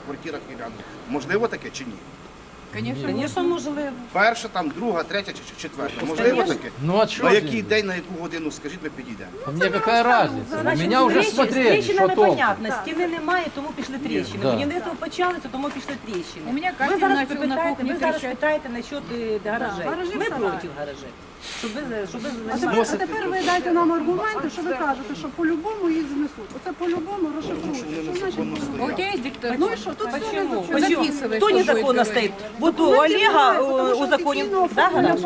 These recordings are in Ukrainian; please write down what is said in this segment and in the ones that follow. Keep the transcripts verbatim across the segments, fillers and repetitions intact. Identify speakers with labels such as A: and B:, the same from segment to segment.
A: квартирах і рядом. Можливо таке чи ні?
B: Звісно, можливо.
A: Перша, там, друга, третя чи четверта. Можливо таке?
C: Ну а что?
A: На який день, на яку годину, скажіть, ми підійдемо.
C: Мне какая разница? У меня уже
B: З
C: смотрели, что
B: тріщинами
C: толку.
B: понятно, стіни немає, тому пішли тріщини.
C: Да.
B: Будівництво почалося, тому пішли тріщини.
D: У мене
B: Ви
D: кафель
B: зараз
D: почав на
B: питаєте,
D: кухні
B: ви зараз
D: тріщати.
B: питаєте насчет е, гаражей.
D: гаражі
B: Ми
D: в сараї.
B: проти гаражей. Щоб ви, щоб ви
E: А
B: займалися.
E: тепер, а тепер ви дайте нам аргументи, що ви кажете, що по-любому їх знесуть. Оце по-любому розшифруйте. Що значить
D: А у тебя есть диктор?
E: Ну і що, тут все
B: Почему?
E: не
B: Почему?
D: Записывай,
B: Кто
D: что
B: незаконно
D: будет
B: стоит? Вот у Олега э, узаконен, да, гараж?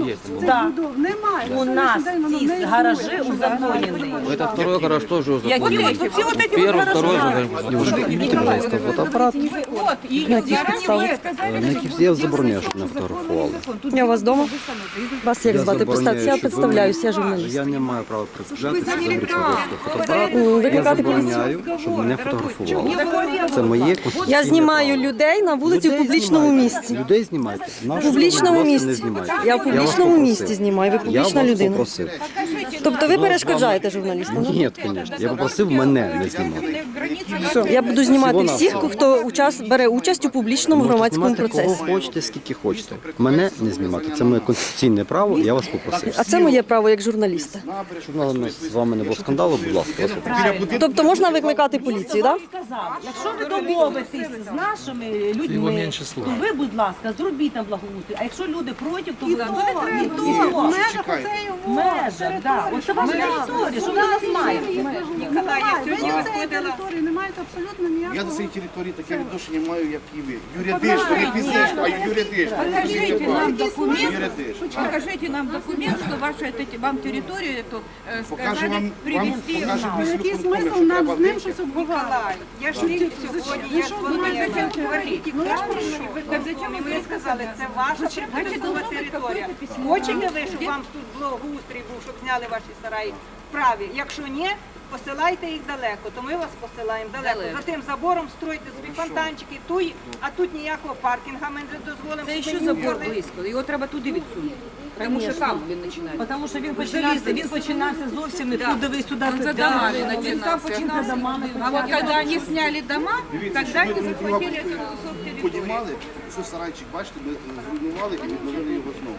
B: Да.
E: Немає.
B: У нас ці гаражі узаконені.
F: Это второй гараж тоже уже.
B: Які от оці от эти вот
F: Первый, второй
B: гаражі?
F: гараж. Девушка, видите, пожалуйста, фотоаппарат.
D: Вот, и
G: На яких
D: заранее
G: підставах?
D: вы сказали,
F: На
D: что
F: яких
D: будете
F: я забороняю, щоб
D: слышать,
F: не
D: что
F: фотографували.
D: закон. Тут
G: Я у вас дома?
D: постановка.
G: Вас як
F: Я
G: звати?
F: забороняю,
G: Представтеся, я
F: щоб
G: представляюсь, я журналіст.
F: Я не маю права представляти, це
D: Ви
F: говорить
D: заявляли,
F: фотоапарат.
G: Ну,
F: Я
G: викликати
F: забороняю, щоб мене фотографували. Це моє конституційне
G: Я знімаю
F: право.
G: людей на вулиці в
F: Людей
G: публічному
F: знімайте.
G: місці.
F: Людей знімайте.
G: В
F: Наших
G: публічному
F: будь ласка, не
G: місці.
F: знімайте.
G: Я в
F: вас
G: публічному
F: попросив.
G: місці знімаю, ви
F: Я
G: публічна
F: вас
G: людина.
F: попросив.
G: Тобто ви перешкоджаєте журналістам? да?
F: Ні, звісно. Я попросив мене не знімати.
G: Все, я буду знімати всіх, хто учас, бере участь у публічному
F: Можете
G: громадському
F: знімати кого
G: процесі.
F: хочете, скільки хочете. Мене не знімати. Це моє конституційне право, я вас попросив.
G: А це моє право як журналіста.
F: Щоб у нас з вами не було скандалу, будь ласка, вас попросив.
G: Тобто можна викликати поліцію, так?
B: Сказав, якщо ви домовитесь з нашими
C: Його
B: людьми,
C: менше
B: то
C: слова.
B: ви, будь ласка, зробіть там благоустрій. А якщо люди проти, то ви
E: І то, і то, в межах оцеї
B: в межах, да. От це ваша територія, що ви нас маєте?
E: Ніколай, ви до цієї території не маєте абсолютно
A: Я
E: ніякого.
A: до цієї території таке відношення маю, як і ви. Юридично, не фізично, а юридично.
D: Покажите нам документ,
A: Юридично.
D: покажите нам документ, что ваша эта, вам территорию эту э,
A: Покажу
D: сказали
A: вам, вам
D: привезти.
A: покажу
E: Який
A: міську
E: смисл
A: контролю, що
E: нам
A: треба
E: з ним
A: вийти.
E: щось обговорювати?
D: Николай, я ж не сьогодні, я ж вам зачем говорити. Ви так зачем і ви сказали, це ваша прибудова територія. Хочете ви, щоб вам тут благоустрій був, щоб зняли ваші сараї? Вправі. Якщо ні, посилайте їх далеко, то ми вас посилаємо далеко. За тим забором стройте собі фонтанчики, туй, а тут ніякого паркінга ми не дозволимо.
H: Це
D: щоб
H: ще
D: ви
H: забор
D: ніколи-
H: близько, його треба туди відсунути. Тому що там він починається.
B: Тому що він починався, він починався зовсім не туди, ви сюди.
H: Он за
B: туди.
H: домами
D: Він там
H: начинался.
D: починався. А вот когда они сняли дома, тогда они захватили этот кусок территории.
A: Подіймали, що сарайчик, бачите, ми зруйнували і відновили його знову.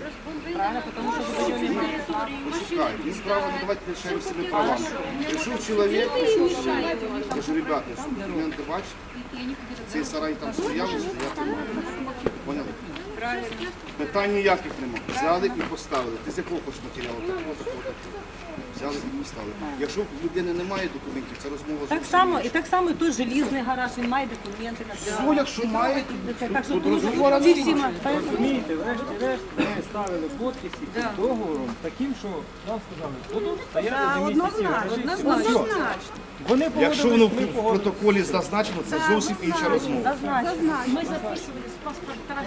A: Почекай, він право не давайте лишаємо всіми правами. Прийшов чоловік, прийшов до мене, кажу, ребята, що документи бачите, цей сарай там стояв і стояти має. Поняли? Питань ніяких немає. Взяли і поставили. Ти з якого хочеш матеріалу? Такого, такого, такого. Взяли і поставили. Якщо в людини немає документів, це розмова
B: Так
A: зовсім
B: само,
A: інша.
B: і так само і той желізний гараж, він має документи на це.
A: Ну, якщо має,
B: Так що
A: то
B: тут
A: розговора
B: ці всі
A: немає.
B: ма-
I: Розумієте, врешті-решт ми ставили подписи під договором таким, що нам сказали, будуть стояти
E: Так,
I: до місяців.
E: однозначно, однозначно.
I: Вони
A: Якщо воно
I: погодились, ми
A: в
I: погодились.
A: протоколі зазначено, це зовсім інша розмова.
B: Зазначено. Ми записували з паспорта.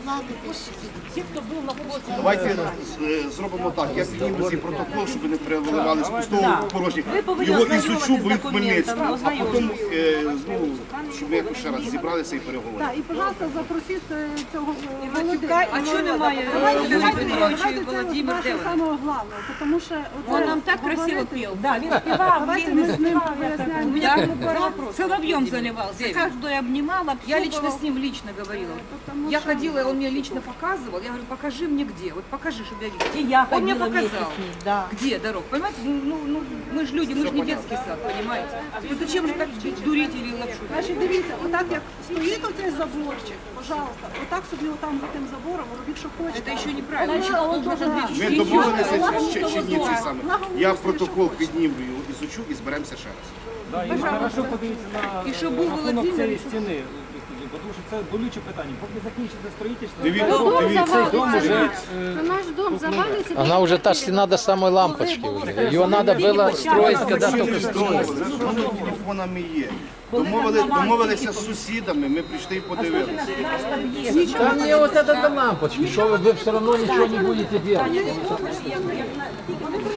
B: Ті, хто був на вулиці.
A: Давайте е, зробимо так. Я підніму цей протокол, щоб не переливали з пустого в порожнє.
B: Ви повинні
A: Його
B: ознайомитись
A: ізучу, бо
B: з
A: він Хмельницький.
B: документами,
A: А потім е, знову, щоб ми якось ще раз зібралися і переговорили.
E: Так, і, пожалуйста, запросіть е, цього е, Володимира.
D: Матюка, а чого немає
E: Давайте,
D: Володимира
E: давайте,
D: Петровича
E: давайте
D: і
E: це
D: Володимир
E: наше
D: Девин?
E: самого головного, тому що
D: Он
E: оце
D: нам так красиво
E: говорити-
D: пел.
B: Да, він співав,
E: Давайте
B: він
E: ми з ним
B: співав.
E: поясняємо.
D: Я соловьем заливался, каждую обнимала,
H: Я лично
D: общупывала.
H: с ним лично говорила. Я ходила, он мне лично показывал. Я говорю, покажи мне где. Вот покажи, чтобы я видела.
B: І я
H: Он мне
B: ходила вместе
H: показал.
B: з ним, да.
H: Где дорог? Понимаете? Ну, ну, мы же люди, мы же не детский сад, понимаете? Ну зачем же так дурить или лапшу?
E: Значить, дивіться, отак як стоїть оцей заборчик, пожалуйста, отак собі отам за тим забором робіть, що хочете.
H: Это еще неправильно.
E: Але
H: Еще
E: от
H: должен
E: ага.
H: ответить.
A: Ми домовилися ще, ще ні цей саме. Я протокол підніму, ізучу і зберемося ще раз.
I: Да, і хорошо подивіться на
H: І щоб був
I: рахунок
H: Володимир,
I: цієї
H: і щоб-
I: стіни, тому що це болюче питання. Поки закінчиться строїтельство,
A: Дивіться, дивіться.
I: цей дом уже
J: Наш дом завалится.
C: Она уже та стена до самой лампочки уже. Ее надо было строить, когда
A: Ми
C: только
A: не
C: строили.
A: здорові, з номер телефонами є. Домовили, домовилися з сусідами, ми прийшли і подивилися.
C: Да мне вот это до лампочки, что вы, вы все равно ничего не будете делать.